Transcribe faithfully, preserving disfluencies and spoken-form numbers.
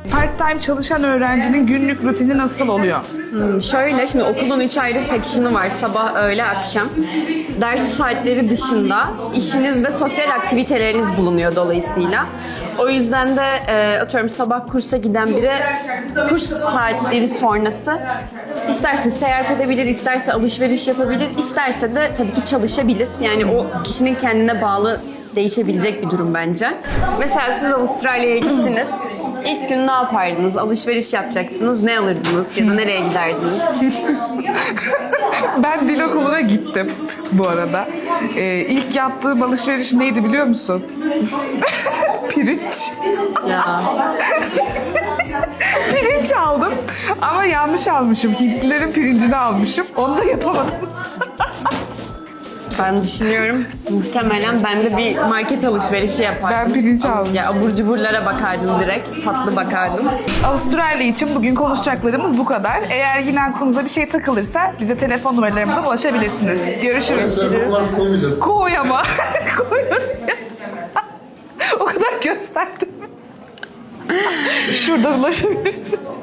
Part-time çalışan öğrencinin günlük rutini nasıl oluyor? Hmm, şöyle, şimdi okulun üç ayrı section'ı var. Sabah, öğle, akşam. Ders saatleri dışında işiniz ve sosyal aktiviteleriniz bulunuyor dolayısıyla. O yüzden de e, atıyorum sabah kursa giden biri kurs saatleri sonrası isterse seyahat edebilir, isterse alışveriş yapabilir, isterse de tabii ki çalışabilir. Yani o kişinin kendine bağlı değişebilecek bir durum bence. Mesela siz Avustralya'ya gittiniz. İlk gün ne yapardınız? Alışveriş yapacaksınız. Ne alırdınız? Ya da nereye giderdiniz? Ben dil okuluna gittim bu arada. Ee, ilk yaptığım alışveriş neydi biliyor musun? Pirinç. Ya. Pirinç aldım ama yanlış almışım. Hintlilerin pirincini almışım. Onu da yapamadım. Ben düşünüyorum muhtemelen ben de bir market alışverişi yapardım. Ben pirinç aldım. Ya abur cuburlara bakardım direkt. Tatlı bakardım. Avustralya için bugün konuşacaklarımız bu kadar. Eğer yine aklınıza bir şey takılırsa bize telefon numaralarımıza ulaşabilirsiniz. Görüşürüz. Numarası koymayacağız. Koy ama. Koy oraya. O kadar gösterdim. Şuradan ulaşabilirsin.